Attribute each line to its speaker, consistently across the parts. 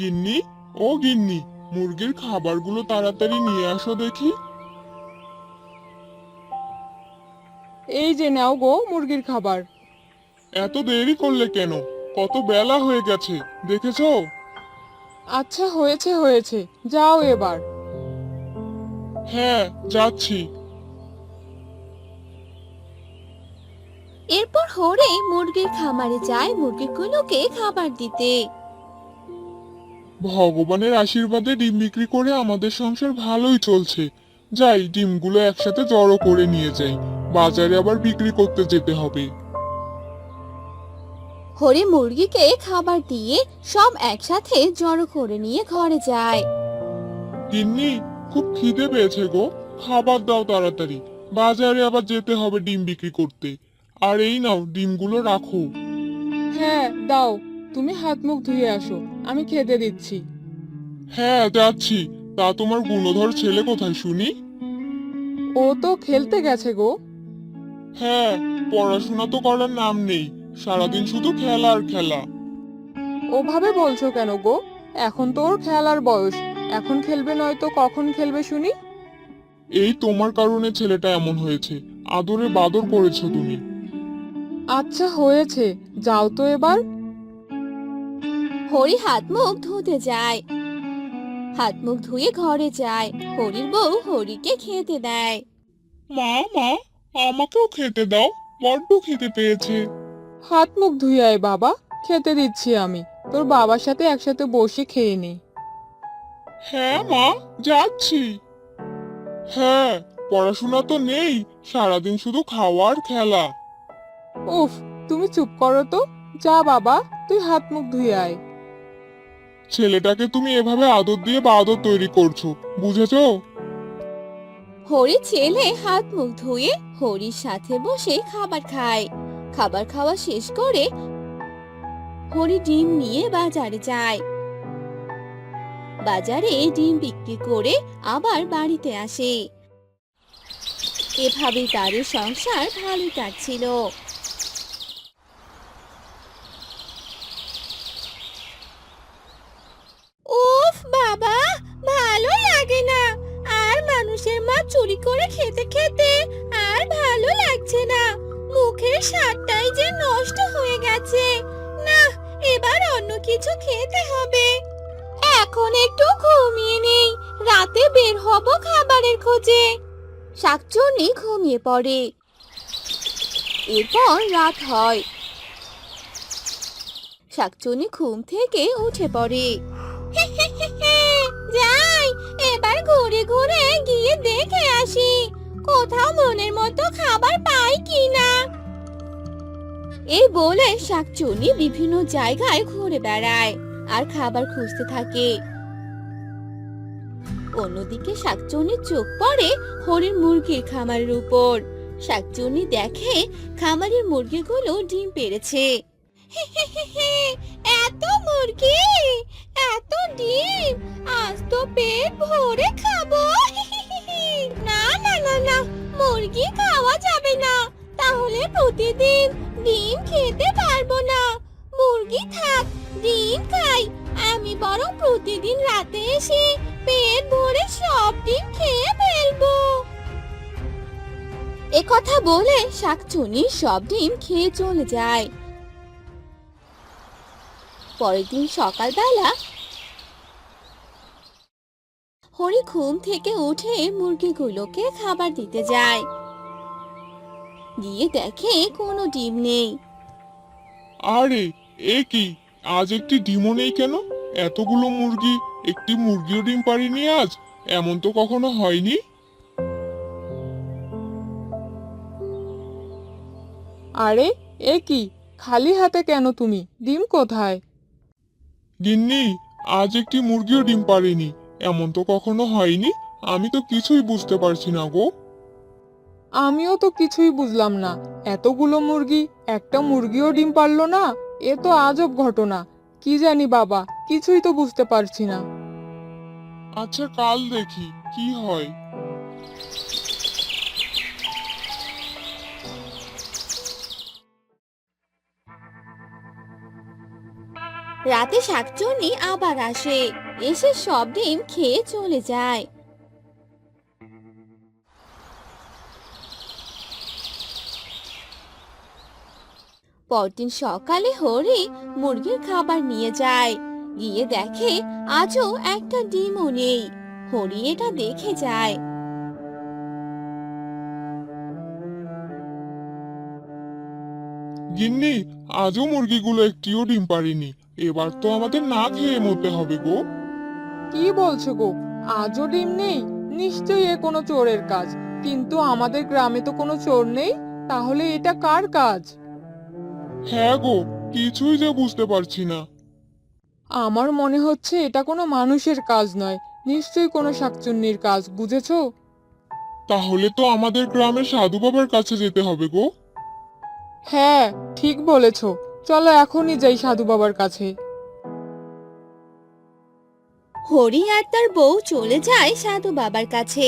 Speaker 1: গিন্নি, ও গিন্নি, মুরগির খাবারগুলো তাড়াতাড়ি নিয়ে আসো দেখি।
Speaker 2: এই যে নাও গো মুরগির খাবার।
Speaker 1: এত দেরি করলে কেন? কত বেলা হয়ে গেছে, দেখেছো?
Speaker 2: আচ্ছা হয়েছে হয়েছে, যাও এবার।
Speaker 1: হ্যাঁ, যাচ্ছি।
Speaker 3: এরপর হরে মুরগির খামারে যায় মুরগিগুলোকে খাবার দিতে।
Speaker 1: ভগবানের আশীর্বাদে ডিম বিক্রি করে আমাদের সংসার ভালোই চলছে। যাই, ডিমগুলো একসাথে জড়ো করে নিয়ে যাই, বাজারে আবার বিক্রি করতে যেতে হবে।
Speaker 3: হরি মুরগিকে খাবার দিয়ে সব একসাথে জড়ো করে নিয়ে ঘরে যায়।
Speaker 1: গিন্নি, খুব খিদে পেয়েছে গো, খাবার দাও তাড়াতাড়ি, বাজারে আবার যেতে হবে ডিম বিক্রি করতে। আর এই নাও, ডিমগুলো রাখো।
Speaker 2: হ্যাঁ দাও, তুমি হাত মুখ ধুয়ে আসো, আমি খেতে দিচ্ছি।
Speaker 1: হ্যাঁ, যাচ্ছি। তা তোমার গুণধর ছেলে কোথায় শুনি?
Speaker 2: ও তো খেলতে গেছে গো।
Speaker 1: হ্যাঁ, পড়াশোনা তো করার নাম নেই, সারাদিন শুধু খেলা আর খেলা।
Speaker 2: ওভাবে বলছো কেন গো? এখন তো ওর খেলার বয়স, এখন খেলবে নয়তো কখন খেলবে শুনি?
Speaker 1: এই তোমার কারণে ছেলেটা এমন হয়েছে, আদরে বাদর করেছো তুমি।
Speaker 2: আচ্ছা হয়েছে, যাও তো এবার।
Speaker 3: হরি হাত মুখ ধুতে যায়। হাত মুখ ধুয়ে ঘরে যায়। হরির বউ হরিকে খেতে দেয়।
Speaker 1: মা, মা, আমাকেও খেতে দাও, বড্ড খেতে পেয়েছে।
Speaker 2: হাত মুখ ধুয়ে আয় বাবা, খেতে দিচ্ছি আমি। তোর বাবার সাথে একসাথে বসে খেয়ে নে।
Speaker 1: হ্যাঁ মা, যাচ্ছি। হ্যাঁ, পড়াশোনা তো নেই, সারাদিন শুধু খাওয়া আর খেলা।
Speaker 2: উফ, তুমি চুপ করো তো। যা বাবা, তুই হাত মুখ ধুয়ে আয়।
Speaker 1: ছেলেটাকে তুমি এভাবে আদর দিয়ে বাদর তৈরি করছো, বুঝেছো?
Speaker 3: হরি ছেলে হাত মুখ ধুয়ে হরির সাথে বসে খাবার খায়। খাবার খাওয়া শেষ করে হরি ডিম নিয়ে বাজারে যায়। বাজারে ডিম বিক্রি করে আবার বাড়িতে আসে। এভাবেই তাদের সংসার ভালোই কাটছিল। উফ বাবা, ভালো লাগে না। আর মানুষের মাছ চুরি করে খেতে খেতে আর ভালো লাগছে না। মুখের স্বাদটাই যে নষ্ট হয়ে গেছে। না, এবার অন্য কিছু খেতে হবে। এখন একটু ঘুমিয়ে নেই, রাতে বের হব খাবারের খোঁজে। শাকচুন্নি ঘুমিয়ে পড়ে। এরপর রাত হয়। শাকচুন্নি ঘুম থেকে উঠে পড়ে। যাই, এবার ঘুরে ঘুরে গিয়ে দেখে আসি কোথাও মনের মতো খাবার পাই কিনা। এই বলে শাকচুন্নি বিভিন্ন জায়গায় ঘুরে বেড়ায় আর খাবার খুঁজতে থাকে। অন্যদিকে শাকচুন্নির চোখ পড়ে হরির মুরগির খামারের উপর। শাকচুন্নি দেখে খামারের মুরগিগুলো ডিম পেড়েছে। এত মুরগি, এত ডিম, আজ তো পেট ভরে খাবো। না না না না, মুরগি খাওয়া যাবে না, তাহলে প্রতিদিন ডিম খেতে পারবো না। মুরগি থাক, ডিম খাই। আমি বরং প্রতিদিন রাতে এসে পেট ভরে সব ডিম খেয়ে ফেলবো। একথা বলে শাকচুন্নি সব ডিম খেয়ে চলে যায়। পরের দিন সকালবেলা হরি ঘুম থেকে উঠে মুরগিগুলোকে খাবার দিতে যায়। গিয়ে দেখে কোনো ডিম নেই।
Speaker 1: আরে, এ কি, আজ একটি ডিমও নেই কেন? এতগুলো মুরগি, একটি মুরগিও ডিম পাড়েনি আজ, এমন তো কখনো হয়নি।
Speaker 2: আরে, এ কি, খালি হাতে কেন তুমি? ডিম কোথায়?
Speaker 1: গিন্নি, আজ একটি মুরগিও ডিম পাড়েনি, এমন তো কখনো হয়নি। আমি তো কিছুই বুঝতে পারছি না গো।
Speaker 2: আমিও তো কিছুই বুঝলাম না। এতগুলো মুরগি, একটা মুরগিও ডিম পারলো না? এ তো আজব ঘটনা। কি জানি বাবা, কিছুই তো বুঝতে পারছি না।
Speaker 1: আচ্ছা, কাল দেখি কি হয়।
Speaker 3: রাতে শাকচুন্নি আবার আসে, এসে সব ডিম খেয়ে চলে যায়। পরদিন সকালে হরি মুরগির খাবার নিয়ে যায়, গিয়ে দেখে আজও একটা ডিমও নেই। হরি এটা দেখে যায়।
Speaker 1: গিন্নি, আজও মুরগিগুলো একটিও ডিম পারেনি। এবার তো আমাদের না খেয়ে মরতে হবে গো।
Speaker 2: কি বলছো গো? আজও ডিম নেই? নিশ্চয়ই এ কোনো চোরের কাজ। কিন্তু আমাদের গ্রামে তো কোনো চোর নেই, তাহলে এটা কার কাজ?
Speaker 1: হ্যাঁ গো, কিছুই যে বুঝতে পারছি না।
Speaker 2: আমার মনে হচ্ছে এটা কোনো মানুষের কাজ নয়, নিশ্চয়ই কোনো শাকচুন্নির কাজ, বুঝেছো?
Speaker 1: তাহলে তো আমাদের গ্রামের সাধু বাবার কাছে যেতে হবে গো।
Speaker 2: হ্যাঁ, ঠিক বলেছো। চলো এখনই যাই সাধু বাবার কাছে।
Speaker 3: হরি আর তার বউ চলে যায় সাধু বাবার কাছে।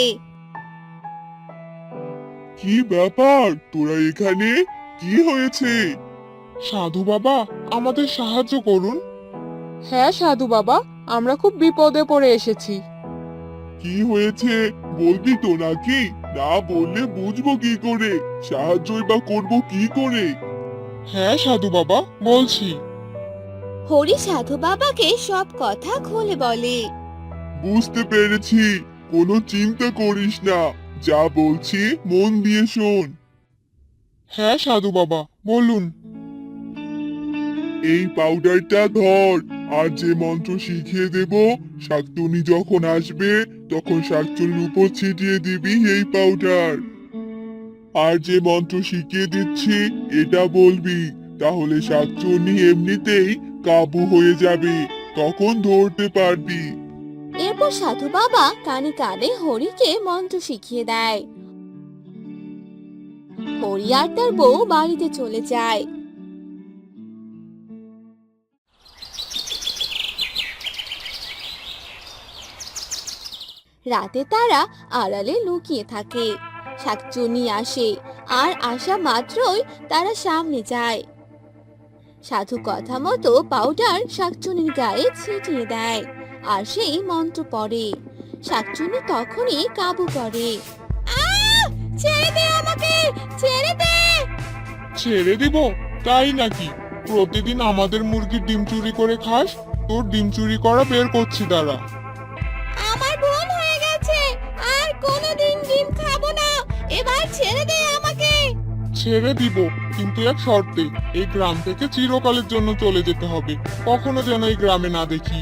Speaker 1: কি ব্যাপার, তোরা এখানে? কি হয়েছে? সাধু বাবা, আমাদের সাহায্য করুন।
Speaker 2: হ্যাঁ সাধু বাবা, আমরা খুব বিপদে পড়ে এসেছি।
Speaker 1: কি হয়েছে বলবি তো নাকি? না বললে বুঝবো কি করে? সাহায্যই বা করবো কি করে? হ্যাঁ সাধু বাবা, বলছি।
Speaker 3: হরি সাধু বাবাকে সব কথা খুলে বলে।
Speaker 1: বুঝতে পেরেছি, কোনো চিন্তা করিস না, যা বলছি মন দিয়ে শোন। হ্যাঁ সাধু বাবা, বলুন। এই পাউডারটা ধর, আর যে মন্ত্র শিখিয়ে দেব, শাকচুন্নি যখন আসবে তখন শাকচুন্নির উপর ছিটিয়ে দিবি এই পাউডার। আর যে মন্ত্র শিখিয়ে দিচ্ছি এটা বলবি, তাহলে শাকচুন্নি এমনিতেই কাবু হয়ে যাবে, তখন ধরতে পারবি।
Speaker 3: এরপর সাধু বাবা কানে কানে হরিকে মন্ত্র শিখিয়ে দেয়। হরি আর তার বউ বাড়িতে চলে যায়। রাতে তারা আড়ালে লুকিয়ে থাকে। শাকচুন্নি আসে, আর আসা মাত্রই তারা সামনে যায়। সাধু কথা মতো পাউডার শাকচুন্নির গায়ে ছিটিয়ে দেয়, আর সেই মন্ত্র পড়ে। শাকচুন্নি তখনই কাবু করে। ছেড়ে দে আমাকে, ছেড়ে দে!
Speaker 1: ছেড়ে দিব? তাই নাকি? প্রতিদিন আমাদের মুরগির ডিম চুরি করে খাস, তোর ডিম চুরি করা বের করছি দাঁড়া।
Speaker 3: আমার ভুল হয়ে গেছে, আর কোনোদিন ডিম খাবো না। এবার ছেড়ে দে আমাকে।
Speaker 1: ছেড়ে দিব, কিন্তু এক শর্তে, এই গ্রাম থেকে চিরকালের জন্য চলে যেতে হবে, কখনো যেন এই গ্রামে না দেখি।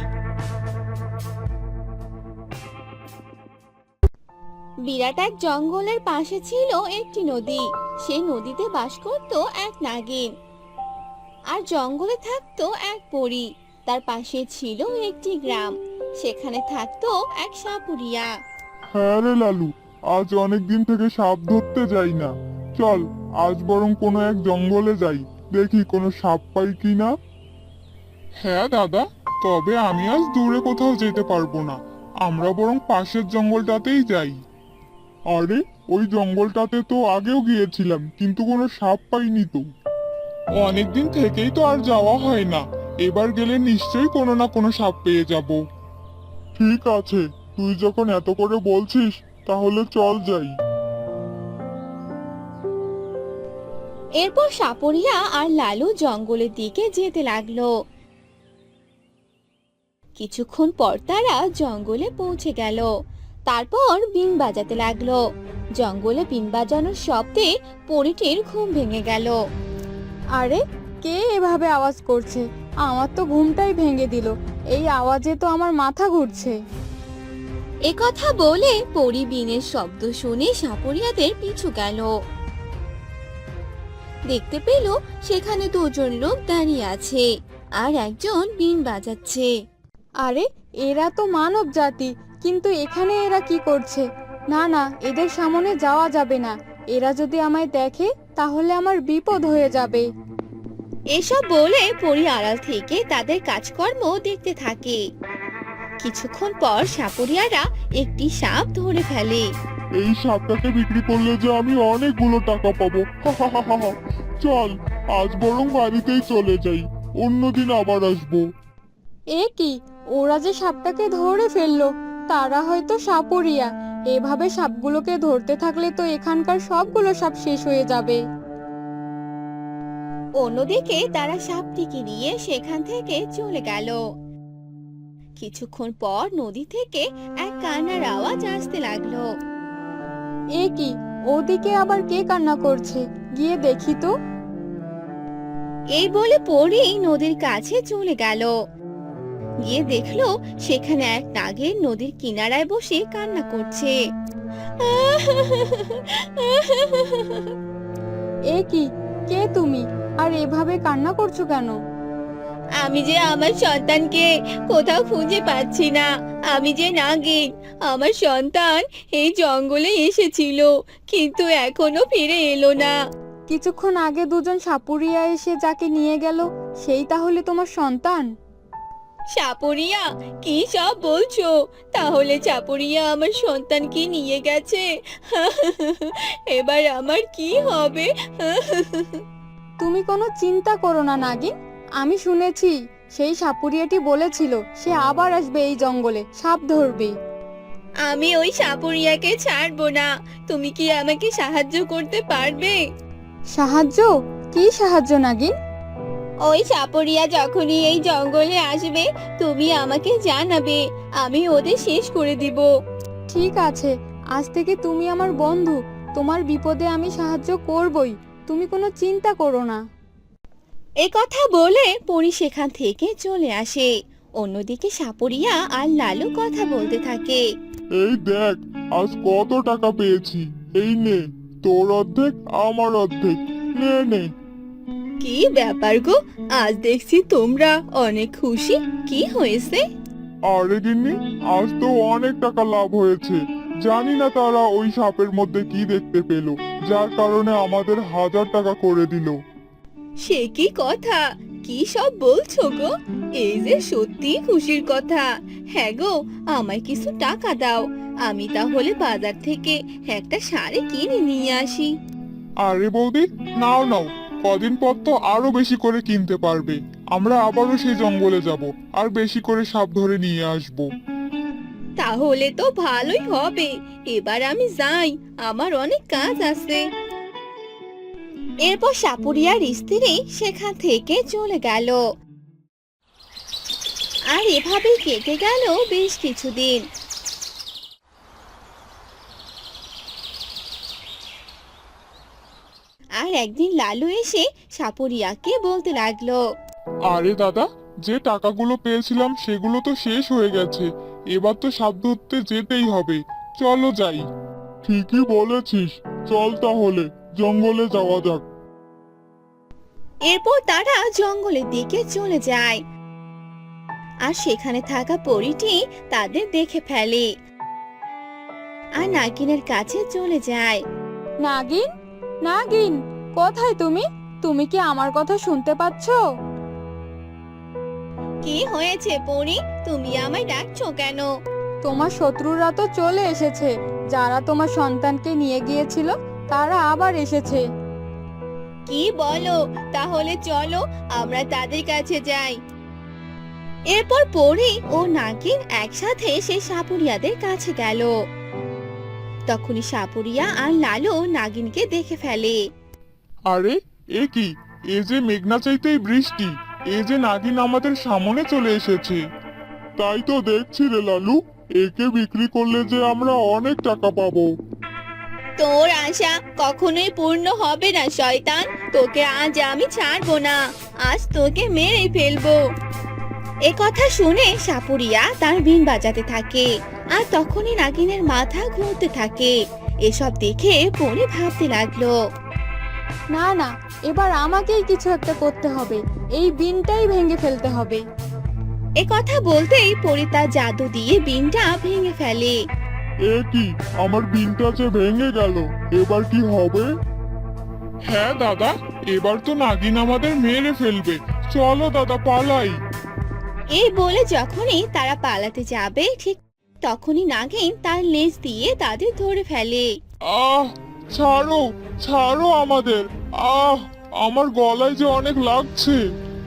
Speaker 3: বিরাট এক জঙ্গলের পাশে ছিল একটি নদী। সেই নদীতে বাস করত এক নাগিন, আর জঙ্গলে থাকতো এক পরী। তার পাশে ছিল একটি গ্রাম, সেখানে থাকতো এক সাপুরিয়া।
Speaker 1: হ্যাঁ রে লালু, আজ অনেক দিন থেকে সাপ ধরতে যাই না। চল আজ বরং কোনো এক জঙ্গলে যাই, দেখি কোনো সাপ পাই কিনা। হ্যাঁ দাদা, তবে আমি আজ দূরে কোথাও যেতে পারবো না, আমরা বরং পাশের জঙ্গলটাতেই যাই। আরে, ওই জঙ্গলটাতে তো আগেও গিয়েছিলাম, কিন্তু কোনো সাপ পাইনি তো। অনেকদিন থেকেই তো আর যাওয়া হয় না, এবার গেলে নিশ্চয়ই কোনো না কোনো সাপ পেয়ে যাব। ঠিক আছে, তুই যখন এত করে বলছিস তাহলে চল যাই।
Speaker 3: এরপর সাপুরিয়া আর লালু জঙ্গলের দিকে যেতে লাগলো। কিছুক্ষণ পর তারা জঙ্গলে পৌঁছে গেল। তারপর বিন বাজাতে লাগলো। জঙ্গলে বিন বাজানোর শব্দে পরীটির ঘুম ভেঙে গেল।
Speaker 4: আরে, কে এভাবে আওয়াজ করছে? আমার তো ঘুমটাই ভেঙে দিল। এই আওয়াজে তো আমার মাথা ঘুরছে।
Speaker 3: একথা বলে পরী বিনের শব্দ শুনে সাপুরিয়াদের পিছু গেল। দেখতে পেল সেখানে দুজন লোক দাঁড়িয়ে আছে, আর একজন বিন বাজাচ্ছে।
Speaker 4: আরে, এরা তো মানব জাতি, কিন্তু এখানে এরা কি করছে? না না, এদের সামনে যাওয়া যাবে না। এরা যদি আমায় দেখে তাহলে আমার বিপদ হয়ে যাবে।
Speaker 3: এসব বলে পরী আড়াল থেকে তাদের কাজকর্ম দেখতে থাকে। কিছুক্ষণ পর সাপুরিয়ারা একটি সাপ ধরে ফেলে।
Speaker 1: এই সাপটাকে বিক্রি করলে যে আমি অনেকগুলো টাকা পাবো। চল আজ বরং বাড়িতেই চলে যাই, অন্যদিন আবার আসবো।
Speaker 4: এ কি, ওরা যে সাপটাকে ধরে ফেললো। তারা হয়তো সাপুরিয়া। এভাবে সাপগুলোকে ধরতে থাকলে তো এখানকার সবগুলো সাপ শেষ হয়ে যাবে।
Speaker 3: অন্যদিকে তারা সাপটিকে নিয়ে সেখান থেকে চলে গেল। কিছুক্ষণ পর নদী থেকে এক কান্নার আওয়াজ আসতে লাগলো।
Speaker 4: এ কি, ওদিকে আবার কে কান্না করছে? গিয়ে দেখি তো।
Speaker 3: এই বলে পরি নদীর কাছে চলে গেল। গিয়ে দেখলো সেখানে এক নাগিন নদীর কিনারায় বসে কান্না করছে।
Speaker 4: এ কি, কে তুমি? আর এভাবে কান্না করছো কেন?
Speaker 3: আমি যে আমার সন্তানকে কোথাও খুঁজে পাচ্ছি না। আমি যে নাগিন, আমার সন্তান এই জঙ্গলে এসেছিল, কিন্তু এখনো ফিরে এলো না।
Speaker 4: কিছুক্ষণ আগে দুজন সাপুরিয়া এসে যাকে নিয়ে গেল, সেই তাহলে তোমার সন্তান?
Speaker 3: সাপুরিয়া, কি সব বলছো? তাহলে সাপুরিয়া আমার সন্তানকে নিয়ে গেছে। এবার আমার কি হবে?
Speaker 4: তুমি কোনো চিন্তা করো না নাগিন। আমি শুনেছি সেই সাপুরিয়াটি বলেছিল সে আবার আসবে এই জঙ্গলে সাপ ধরবে।
Speaker 3: আমি ওই সাপুরিয়াকে ছাড়বো না। তুমি কি আমাকে সাহায্য করতে পারবে?
Speaker 4: সাহায্য? কি সাহায্য নাগিন?
Speaker 3: ওই সাপুরিয়া যখনই এই জঙ্গলে আসবে তুমি আমাকে জানাবে। আমি ওদের শেষ করে দিব।
Speaker 4: ঠিক আছে, আজ থেকে তুমি আমার বন্ধু। তোমার বিপদে আমি সাহায্য করবই, তুমি কোনো চিন্তা করো না।
Speaker 3: এ কথা বলে পরি সেখান থেকে চলে আসে। অন্যদিকে সাপুরিয়া আর লালু কথা বলতে থাকে।
Speaker 1: এই দেখ, আজ কত টাকা পেয়েছি। এই নে, তোর অর্ধেক আমার অর্ধেক। নে নে।
Speaker 3: কি ব্যাপার গো, আজ দেখছি তোমরা অনেক খুশি। কি হয়েছে?
Speaker 1: আরে গিন্নি, আজ তো অনেক টাকা লাভ হয়েছে। জানি না তারা ওই সাপের মধ্যে কি দেখতে পেল, যার কারণে আমাদের 1000 টাকা করে দিল।
Speaker 3: সে কি কথা? কি সব বলছো গো? এই যে সত্যি খুশির কথা। হ্যাঁ গো, আমায় কিছু টাকা দাও। আমি তাহলে বাজার থেকে একটা শাড়ি কিনে নিয়ে আসি।
Speaker 1: আরে বৌদি, নাও নাও, কদিন পর তো আরো বেশি করে কিনতে পারবে। আমরা আবারও সেই জঙ্গলে যাব, আর বেশি করে সাপ ধরে নিয়ে আসব।
Speaker 3: তাহলে তো ভালোই হবে। এবার আমি যাই, আমার অনেক কাজ আছে। এরপর সাপুরিয়ার স্ত্রী সেখান থেকে চলে গেল। আর এভাবেই কেটে গেল বেশ কিছুদিন। আর একদিন লালু এসে সাপুরিয়াকে বলতে লাগলো।
Speaker 1: আরে দাদা, যে টাকাগুলো পেয়েছিলাম সেগুলো তো শেষ হয়ে গেছে। এবার তো সাপ ধরতে যেতেই হবে। চলো যাই। ঠিকই বলেছিস, চল তাহলে জঙ্গলে যাওয়া যাক।
Speaker 3: এরপর তারা জঙ্গলের দিকে চলে যায়। আর সেখানে থাকা পরীটি তাদের দেখে ফেলে আর নাগিনের কাছে চলে যায়।
Speaker 4: নাগিন, নাগিন, কোথায় তুমি? তুমি কি আমার কথা শুনতে পাচ্ছো?
Speaker 3: কি হয়েছে পরী, তুমি আমায় ডাকছো কেন?
Speaker 4: তোমার শত্রুরা তো চলে এসেছে। যারা তোমার সন্তানকে নিয়ে গিয়েছিল তারা আবার এসেছে।
Speaker 3: কি বলো? তাহলে চলো আমরা তাদের কাছে যাই। এরপর পরী ও নাগিন একসাথে সেই সাপুরিয়াদের কাছে গেল। তখনই সাপুরিয়া আর লালু নাগিনকে দেখে ফেলে।
Speaker 1: আরে এ কি, এ যে মেঘনা চাইতেই বৃষ্টি। এ যে নাগিন আমাদের সামনে চলে এসেছে। তাই তো দেখছি রে লালু, একে বিক্রি করলে যে আমরা অনেক টাকা পাবো।
Speaker 3: তোর আশা কখনোই পূর্ণ হবে না শয়তান। তোকে আজ আমি ছাড়বো না। আজ তোকে মেরে ফেলবো। এ কথা শুনে সাপুরিয়া তার বিন বাজাতে থাকে। আর তখনই নাগিনের মাথা ঘুরতে থাকে। এসব দেখে পরে ভাবতে লাগলো।
Speaker 4: না না, এবার আমাকেই কিছু একটা করতে হবে। এই বিনটাই ভেঙে ফেলতে হবে।
Speaker 3: এ কথা বলতেই পরি তার জাদু দিয়ে বিনটা ভেঙে ফেলে।
Speaker 1: এ কি, আমার বিনটা যে ভেঙে গেল। এবার কি হবে? হ্যাঁ দাদা, এবার তো নাগিন আমাদের মেরে ফেলবে। চলো দাদা, পালাই।
Speaker 3: এই বলে যখনই তারা পালাতে যাবে ঠিক তখনই নাগিন তার লেজ দিয়ে তাদের ধরে ফেলে।
Speaker 1: আহ, ছাড়ো, ছাড়ো আমাদের। আহ, আমার গলায় যে অনেক লাগছে।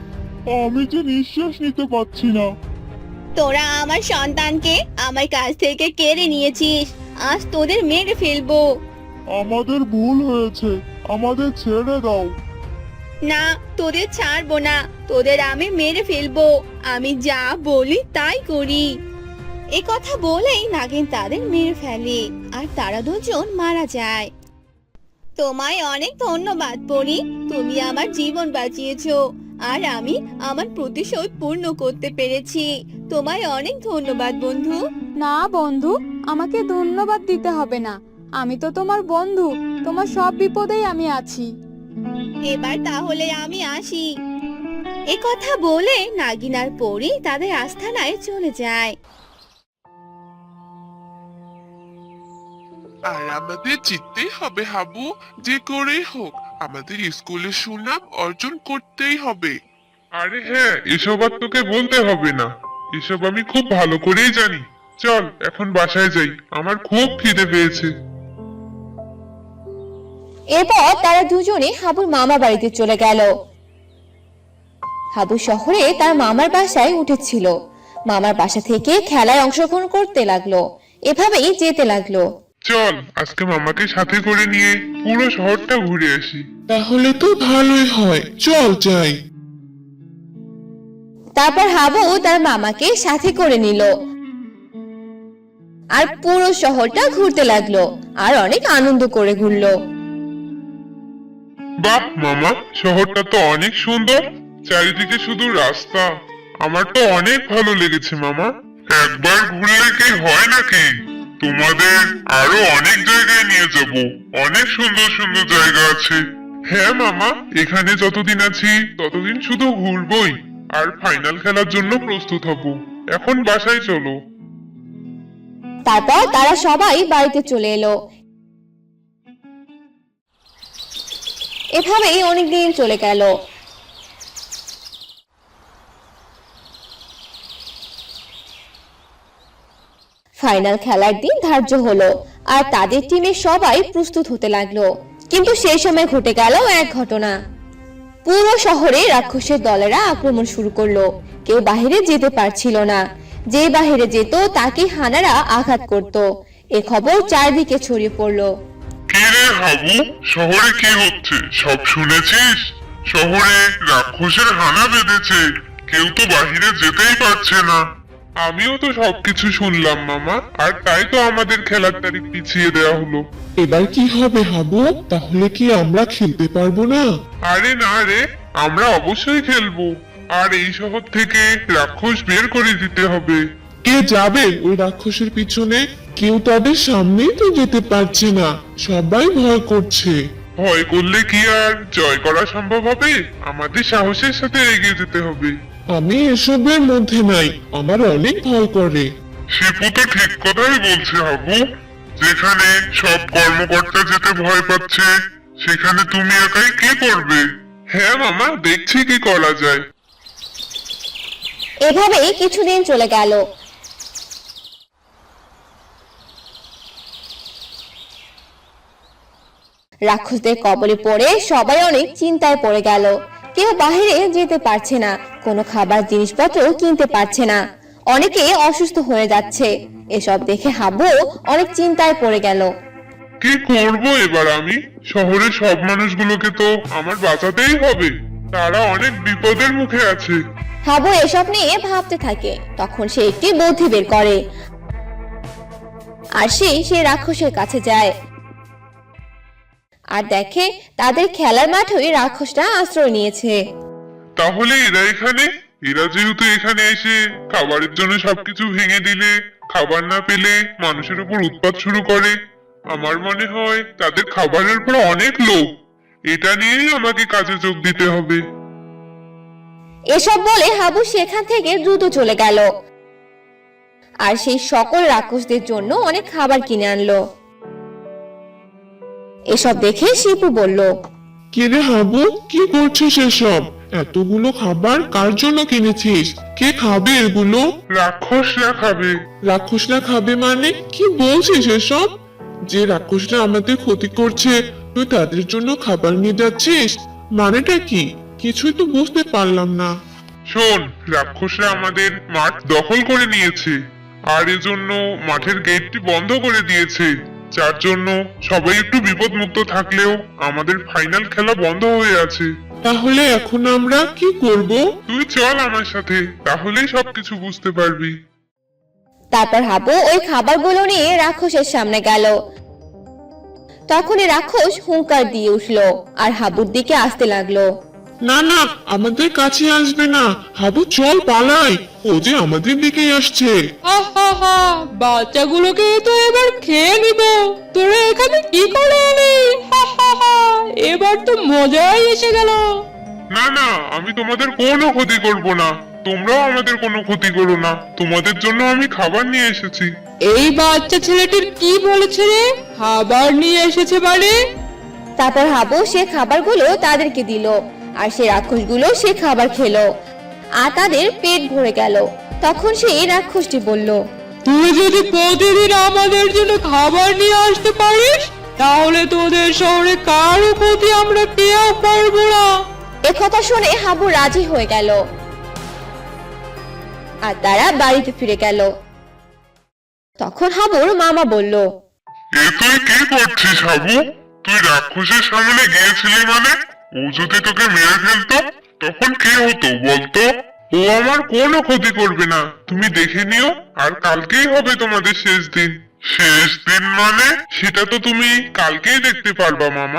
Speaker 1: আমি যে নিঃশ্বাস নিতে পারছি না।
Speaker 3: তোরা আমার সন্তানকে আমার কাছ থেকে কেড়ে নিয়েছিস, আজ তোদের মেরে ফেলবো।
Speaker 1: আমাদের ভুল হয়েছে, আমাদের ছেড়ে দাও।
Speaker 3: না, তোদের ছাড়বো না, তোদের আমি মেরে ফেলবো। আমি যা বলি তাই করি। এ কথা বলেই নাগিন তাদের মেরে ফেলে আর তারা দুজন মারা যায়। তোমায় অনেক ধন্যবাদ পরি, তুমি আমার জীবন বাঁচিয়েছো আর আমি আমার প্রতিশোধ পূর্ণ করতে পেরেছি। তোমায় অনেক ধন্যবাদ বন্ধু।
Speaker 4: না বন্ধু, আমাকে ধন্যবাদ দিতে হবে না। আমি তো তোমার বন্ধু, তোমার সব বিপদেই আমি আছি।
Speaker 3: এবার তাহলে আমি আসি। এ কথা বলে নাগিন আর পরি তাদের আস্তানায় চলে যায়।
Speaker 5: আর আমাদের জিততেই হবে হাবু, যে করেই হোক আমাদের স্কুলের সুনাম অর্জন করতেই হবে।
Speaker 1: আরে হ্যাঁ, এসব আর তোকে বলতে হবে না, এসব আমি খুব ভালো করেই জানি। চল এখন বাসায় যাই, আমার খুব খিদে পেয়েছে।
Speaker 3: এরপর তারা দুজনে হাবুর মামার বাড়িতে চলে গেল। হাবু শহরে তার মামার বাসায় উঠেছিল। মামার বাসা থেকে খেলায় অংশগ্রহণ করতে লাগলো, এভাবেই যেতে লাগলো।
Speaker 1: চল আজকে মামাকে সাথে করে নিয়ে পুরো শহরটা ঘুরে আসি।
Speaker 5: তাহলে তো ভালোই হয়, চল যাই।
Speaker 3: তারপর হাবু তার মামাকে সাথে করে নিল আর পুরো শহরটা ঘুরতে লাগলো আর অনেক আনন্দ করে ঘুরলো।
Speaker 1: বাহ মামা, শহরটা তো অনেক সুন্দর, চারিদিকে শুধু রাস্তা। আমার তো অনেক ভালো লেগেছে মামা। একবার ঘুরলে কি হয় নাকি, তোমাদের আরো অনেক জায়গায় নিয়ে যাব, অনেক সুন্দর সুন্দর জায়গা আছে। হ্যাঁ মামা, এখানে যতদিন আছি ততদিন শুধু ঘুরবই আর ফাইনাল খেলার জন্য প্রস্তুত হব। এখন বাসায় চলো।
Speaker 3: তারপর তারা সবাই বাড়িতে চলে এলো। এভাবেই অনেকদিন চলে গেল। ফাইনাল খেলার দিন ধার্য হলো আর তাদের টিমের সবাই প্রস্তুত হতে লাগলো। কিন্তু সেই সময় ঘটে গেল এক ঘটনা। পুরো শহরে রাক্ষসের দলেরা আক্রমণ শুরু করলো। কেউ বাহিরে যেতে পারছিল না, যে বাহিরে যেত তাকে হানারা আঘাত করত। এ খবর চারদিকে ছড়িয়ে পড়লো।
Speaker 1: কি রে হাবু, শহরে কি হচ্ছে সব শুনেছিস? শহরে রাক্ষসের হানা বেঁধেছে, কেউ তো বাহিরে যেতেই পারছে না। আমিও তো সবকিছু শুনলাম মামা, আর তাই তো আমাদের খেলার তারিখ পিছিয়ে দেওয়া হলো।
Speaker 5: এবার কি হবে হাবু, তাহলে কি আমরা খেলতে পারবো না?
Speaker 1: আরে না রে, আমরা অবশ্যই খেলবো, আর এই শহর থেকে রাক্ষস বের করে দিতে হবে।
Speaker 5: কে যাবে ওই রাক্ষসের পিছনে? কেউ তাদের সামনেই তো যেতে পারছে না, সবাই ভয় করছে।
Speaker 1: ভয় করলে কি আর জয় করা সম্ভব হবে? আমাদের সাহসের সাথে এগিয়ে যেতে হবে।
Speaker 5: আমি এসবের মধ্যে নাই, আমার অনেক ভয় করে।
Speaker 1: শিপু তো ঠিক কথাই বলছে হাবু, যেখানে সব কর্মকর্তা যেতে ভয় পাচ্ছে সেখানে তুমি একাই কি করবে? হ্যাঁ মামা, দেখছি কি করা যায়।
Speaker 3: এভাবেই কিছুদিন চলে গেল। রাক্ষসদের কবলে পড়ে সবাই অনেক চিন্তায় পড়ে গেল। কেউ বাহিরে যেতে পারছে না, কোনো খাবার জিনিসপত্র কিনতে পারছে না, অনেকে অসুস্থ হয়ে যাচ্ছে। এসব দেখে হাবু অনেক চিন্তায় পড়ে গেল।
Speaker 1: কি করব এবার আমি? শহরের সব মানুষগুলোকে তো আমার বাঁচাতেই হবে, তারা অনেক বিপদের মুখে আছে।
Speaker 3: হাবু এসব নিয়ে ভাবতে থাকে। তখন সে একটি বুদ্ধি বের করে আর সে রাক্ষসের কাছে যায় আর দেখে তাদের খেলার মাঠে রাক্ষসটা আশ্রয় নিয়েছে।
Speaker 1: তাহলে এরা এখানে, এরা যেহেতু এখানে এসে খাবারের জন্য সবকিছু ভেঙে দিলে, খাবার না পেলে মানুষের উপর উৎপাত শুরু করে, আমার মনে হয় তাদের খাবারের উপর অনেক লোভ। এটা নিয়েই আমাকে কাজে যোগ দিতে হবে।
Speaker 3: এসব বলে হাবু সেখান থেকে দ্রুত চলে গেল আর সেই সকল রাক্ষসদের জন্য অনেক খাবার কিনে আনলো। এসব দেখে শিপু বলল,
Speaker 5: কে রে হাবু, কি করছিস এসব? এতগুলো খাবার কার জন্য কিনেছিস? কে খাবে এগুলো?
Speaker 1: রাক্ষসরা খাবে।
Speaker 5: রাক্ষসরা খাবে মানে কি বলছিস এসব? যে রাক্ষসরা আমাদের ক্ষতি করছে, তুই তাদের জন্য খাবার নিয়ে যাচ্ছিস, মানেটা কি? কিছুই তো বুঝতে পারলাম না।
Speaker 1: শোন, রাক্ষসরা আমাদের মাঠ দখল করে নিয়েছে আর এজন্য মাঠের গেটটি বন্ধ করে দিয়েছে, যার জন্য সবাই একটু বিপদমুক্ত থাকলেও আমাদের ফাইনাল খেলা বন্ধ হয়ে আছে।
Speaker 5: তাহলে এখন আমরা কি করব?
Speaker 1: তুই চল আমার সাথে, তাহলেই সবকিছু বুঝতে পারবি।
Speaker 3: তারপর হাবু ওই খাবারগুলো নিয়ে রাক্ষসের সামনে গেল। তখনই রাক্ষস হুঙ্কার দিয়ে উঠলো আর হাবুর দিকে আসতে লাগলো।
Speaker 5: না না, আমাদের কাছে আসবে না। হাবু চল পালাই, ও যে আমাদের দিকেই আসছে।
Speaker 2: আহা, বাচ্চাগুলোকে তো এবার খেয়ে নিব। তোরা এখানে কি করে এলি? এবার তো মজাই এসে গেল।
Speaker 1: না না, আমি তোমাদের কোনো ক্ষতি করব না, তোমরাও আমাদের কোনো ক্ষতি করো না, তোমাদের জন্য আমি খাবার নিয়ে এসেছি।
Speaker 2: এই বাচ্চা ছেলেটির কি বলেছে রে? খাবার নিয়ে এসেছে মানে?
Speaker 3: তারপর হাবু সে খাবারগুলো তাদেরকে দিল আর সে রাক্ষসগুলো সে খাবার খেলো আর তাদের পেট ভরে গেল। তখন সেই রাক্ষসটি বলল,
Speaker 2: তুই যদি প্রতিদিন আমাদের জন্য খাবার নিয়ে আসতে পারিস তাহলে তোদের শহরে কারো ক্ষতি আমরা কেউ করবো না।
Speaker 3: একথা শুনে হাবু রাজি হয়ে গেল আর তারা বাড়িতে ফিরে গেল। তখন হাবুর মামা বলল,
Speaker 1: এ তুই কি করছিস হাবু? তুই রাক্ষসের সামনে গিয়েছিলি মানে? ও যদি তোকে মেরে ফেলতো তখন কি হতো বলতো? ও আমার কোনো ক্ষতি করবে না, তুমি দেখে নিও। আর কালকেই হবে তোমাদের শেষ দিন। শেষ দিন মানে? সেটা তো তুমি কালকেই দেখতে পারবা মামা।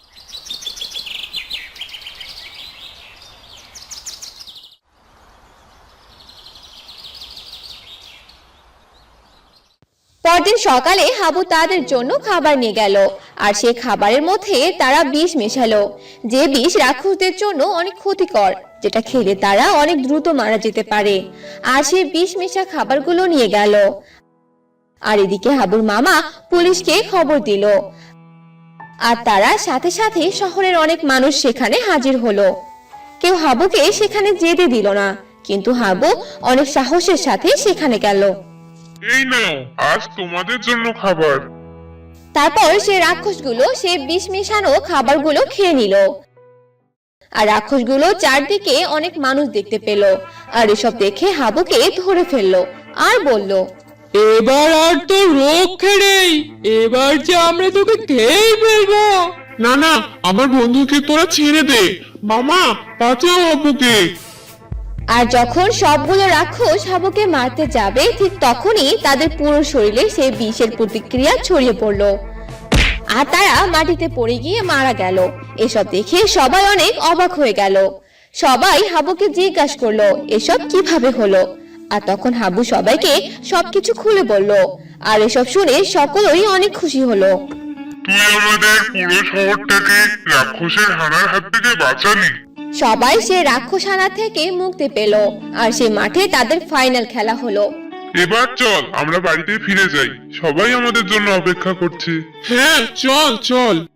Speaker 3: পরদিন সকালে হাবু তাদের জন্য খাবার নিয়ে গেল আর সে খাবারের মধ্যে তারা বিষ মেশালো, যে বিষ রাক্ষসদের জন্য অনেক ক্ষতিকর, যেটা খেলে তারা অনেক দ্রুত মারা যেতে পারে। আর সে বিষ মেশা খাবারগুলো নিয়ে গেল। আর এদিকে হাবুর মামা পুলিশকে খবর দিল আর তারা সাথে সাথে শহরের অনেক মানুষ সেখানে হাজির হলো। কেউ হাবুকে সেখানে যেতে দিল না, কিন্তু হাবু অনেক সাহসের সাথে সেখানে গেল।
Speaker 1: এই নাও, আজ তোমাদের জন্য খাবার।
Speaker 3: তারপর সে রাক্ষসগুলো সে বিষ মেশানো খাবারগুলো খেয়ে নিল। আর রাক্ষসগুলো চারদিকে অনেক মানুষ দেখতে পেল আর এসব দেখে হাবুকে ধরে ফেললো আর বলল,
Speaker 2: এবার আর তো রক্ষে নেই, এবার যে আমরা তোকে খেয়েই ফেলবো।
Speaker 5: না না, আমার বন্ধুকে তোরা ছেড়ে দে। মামা, বাঁচাও হাবুকে।
Speaker 3: আর যখন সবগুলো রাক্ষস হাবুকে মারতে যাবে ঠিক তখনই তাদের পুরো শরীরে সেই বিষের প্রতিক্রিয়া ছড়িয়ে পড়লো আর তারা মাটিতে পড়ে গিয়ে মারা গেল। এসব দেখে সবাই অনেক অবাক হয়ে গেল। সবাই হাবুকে জিজ্ঞাসা করলো এসব কিভাবে হলো। আর তখন হাবু সবাইকে সবকিছু খুলে বলল আর এসব শুনে সকলেই অনেক খুশি হলো।
Speaker 1: তুই আমাদের পুরো শহরটাকে রাক্ষসের হানার হাত থেকে বাঁচালি।
Speaker 3: সবাই সে রাক্ষসানা থেকে মুক্তি পেল আর সে মাঠে তাদের ফাইনাল খেলা হলো।
Speaker 1: এবার চল আমরা বাড়িতে ফিরে যাই, সবাই আমাদের জন্য অপেক্ষা করছে।
Speaker 5: হ্যাঁ চল চল।